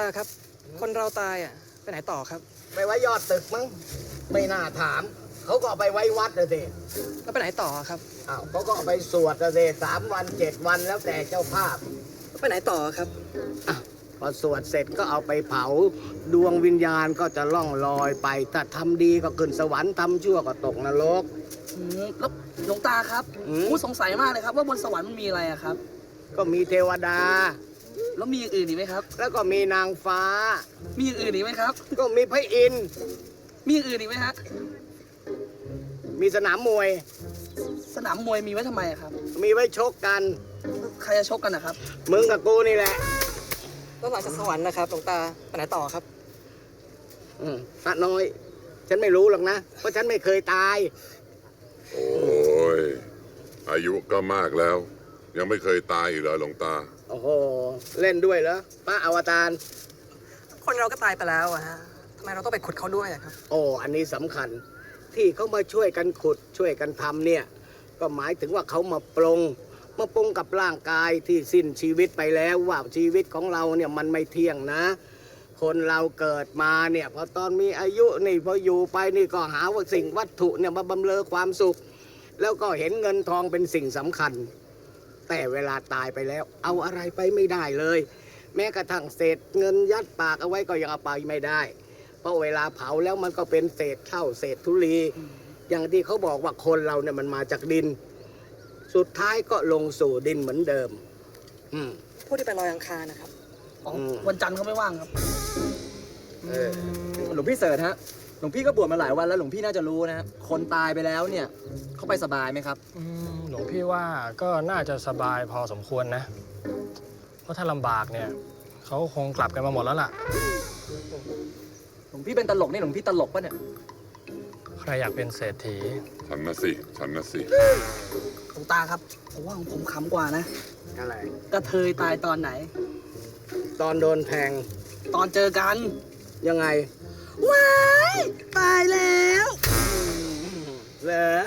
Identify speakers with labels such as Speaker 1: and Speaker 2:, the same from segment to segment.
Speaker 1: ครับ คนเราตายอ่ะไปไหนต่อครับ
Speaker 2: ไปไว้ยอดตึกมั้งไม่น่าถามเขาก็เอาไปไว้วัดเลยสิ
Speaker 1: แล้วไปไหนต่อครับ
Speaker 2: อ้าวเขาก็เอาไปสวดเลยสิ3 วัน 7 วันแล้วแต่เจ้าภาพ
Speaker 1: แล้วไปไหนต่อครับ
Speaker 2: อ่ะพอสวดเสร็จก็เอาไปเผาดวงวิญญาณก็จะล่องลอยไปถ้าทำดีก็ขึ้นสวรรค์ทำชั่วก็ตกนรก
Speaker 3: แล้วหลวงตาครับ
Speaker 2: อืม
Speaker 3: ผมสงสัยมากเลยครับว่าบนสวรรค์มันมีอะไรอะครับ
Speaker 2: ก็มีเทวดา
Speaker 3: แล้วมีอย่างอื่นอีกไหมครับ
Speaker 2: แล้วก็มีนางฟ้า
Speaker 3: มีอย่างอื่นอีกไหมครับ
Speaker 2: ก็มีพระอินทร์
Speaker 3: มีอย่างอื่นอีกไหมฮะ
Speaker 2: มีสนามมวย
Speaker 3: สนามมวยมีไว้ทำไมอะครับ
Speaker 2: มีไว้ชกกัน
Speaker 3: ใครจะชกกันนะครับ
Speaker 2: มึงกับกูนี่แหละ
Speaker 1: แล้วหลังจากสวรรค์นะครับหลวงตาไปไหนต่อครับ
Speaker 2: พระน้อย ฉันไม่รู้หรอกนะ เพราะฉันไม่เคยตาย
Speaker 4: โอ้ย อายุก็มากแล้ว ยังไม่เคยตายอีกเหรอหลวงตา
Speaker 2: โอ้โห เล่นด้วยเหรอพระอวตาร
Speaker 1: คนเราก็ตายไปแล้วอะฮะทำไมเราต้องไปขุดเขาด้วยอะครับ
Speaker 2: โอ้ อันนี้สำคัญ ที่เขามาช่วยกันขุดช่วยกันทำเนี่ย ก็หมายถึงว่าเขามาปรงกับร่างกายที่สิ้นชีวิตไปแล้วว่าชีวิตของเราเนี่ยมันไม่เที่ยงนะ คนเราเกิดมาเนี่ยพอตอนมีอายุนี่พออยู่ไปนี่ก็หาว่าสิ่งวัตถุเนี่ยมาบำเรอความสุข แล้วก็เห็นเงินทองเป็นสิ่งสำคัญ แต่เวลาตายไปแล้ว เอาอะไรไปไม่ได้เลย แม้กระทั่งเศษเงินยัดปากเอาไว้ก็ยังเอาไปไม่ได้ เพราะเวลาเผาแล้วมันก็เป็นเศษเท่าเศษธุลี อย่างที่เขาบอกว่าคนเราเนี่ยมันมาจากดิน สุดท้ายก็ลงสู่ดินเหมือนเดิม อืม
Speaker 1: ผู้ที่ไปลอยอังคารนะครับ
Speaker 3: อ๋อ
Speaker 2: อืม
Speaker 3: วันจันทร์เขาไม่ว่างครับ
Speaker 2: เออ
Speaker 5: หลวงพี่เสิร์ชฮะ หลวงพี่ก็บวชมาหลายวันแล้วหลวงพี่น่าจะรู้นะฮะคนตายไปแล้วเนี่ยเขาไปสบายไหมครับ
Speaker 6: หลวงพี่ว่าก็น่าจะสบายพอสมควรนะ เพราะถ้าลำบากเนี่ยเขาคงกลับกันมาหมดแล้วล่ะ
Speaker 5: หลวงพี่เป็นตลกนี่หลวงพี่ตลกปะเนี่ย
Speaker 6: ใครอยากเป็นเศรษฐี
Speaker 4: ฉันนะสิ ฉันนะสิ
Speaker 3: หลวงตาครับผมว่าของผมขำกว่านะ
Speaker 2: อะไร
Speaker 3: กระเทยตายตอนไหน
Speaker 2: ตอนโดนแทง
Speaker 3: ตอนเจอกัน
Speaker 2: ยังไง
Speaker 3: ว้ายตายแล้ว
Speaker 2: เหรอ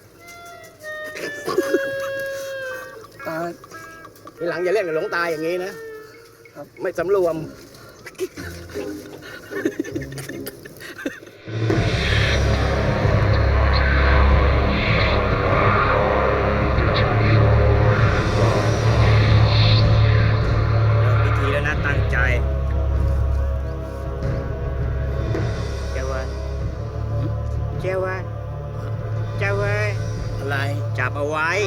Speaker 3: ตาย
Speaker 2: ทีหลังอย่าเล่นกับหลวงตาอย่างนี้นะ
Speaker 3: ครับ
Speaker 2: ไม่สำรวม
Speaker 7: พิธีแล้วนะตั้งใจเจ้าเว้ยเจ้าเว้ยเจ้าเว้ย
Speaker 2: อะไร
Speaker 7: จับเอาไว้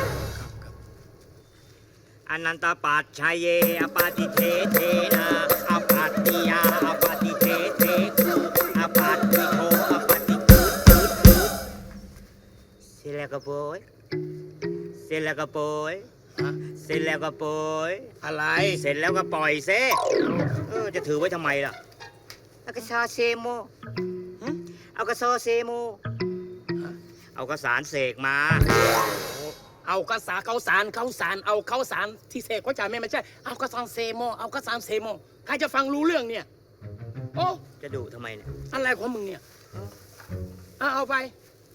Speaker 7: อนันตปัจชัยเยอปาติเทเทนาอปัตติยาอปาติเทเทกุอปัตติโทอปาติกุดเสร็จแล้วก็โปยเสร็จแล้วก็โปยเสร็จแล้วก็โปย
Speaker 2: อะไร
Speaker 7: เสร็จแล้วก็ปล่อยเซจะถือไว้ทำไมล่ะเอากระซอเซโมหึเอากระซอเซโมเอากระสารเสกมา
Speaker 8: เอากระสาเขาสารเขาสารเอาเขาสารที่เสกเขาจ่ายไม่ใช่เอากระสานเซโมเอากระสานเซโมใครจะฟังรู้เรื่องเนี่ยโอ้
Speaker 7: จะดุทำไมเนี่ย
Speaker 8: อะไรของมึงเนี่ยเอาไป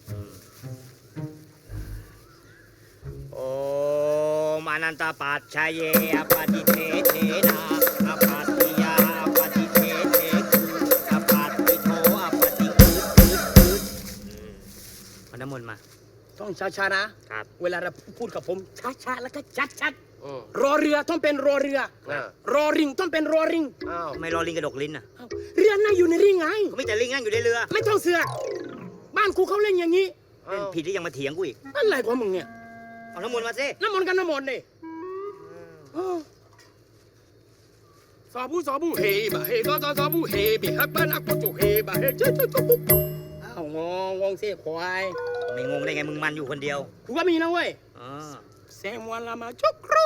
Speaker 7: โอ้มานันตปัจชัยเยอปาติเทเทนาอปัตติยาอปาติเทเทกุอปัตติโทอปาติกุดเอาน้ำมนต์มา
Speaker 8: ต้องช้าๆนะ
Speaker 7: ครับ
Speaker 8: เวลาเราพูดกับผมช้าๆแล้วก็ชัดๆรอเรือต้องเป็นรอเรือ รอริงต้องเป็นรอริง
Speaker 2: อ้าว
Speaker 7: ทำไมรอลิงกระดกลิ้นอ่ะ
Speaker 8: เอ้าเรือน่าอยู่ในริงไง
Speaker 7: เขาไม่แต่ลิงนั่งอยู่ในเรือ
Speaker 8: ไม่ต้องเสือกบ้านกูเขาเล่นอย่างนี้
Speaker 7: เล่นผิดที่ยังมาเถียงกูอีก
Speaker 8: อะไรของมึงเนี่ย
Speaker 7: เอาน้ำมนต์มาสิ
Speaker 8: น้ำมนต์กันน้ำมนต์ดิสาบูเฮบะเฮสาบูเฮบิฮับบ้านอักโจเฮบะเฮเจ้าปุ๊บอ้าวงงเสียควาย
Speaker 7: ไม่งงได้ไงมึงมันอยู่คนเดียว
Speaker 8: กูก็มีนะเว้ย
Speaker 7: อ๋อ
Speaker 8: เซมวันละมาจุกรู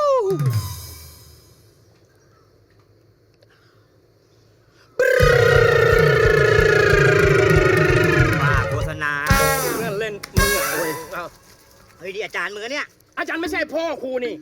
Speaker 7: ว่าโฆษณา
Speaker 8: เล่นมึงอ่ะเว้ย
Speaker 7: เฮ้ยดิอาจารย์มึงอะเนี่ย
Speaker 8: อาจารย์ไม่ใช่พ่อครูนี่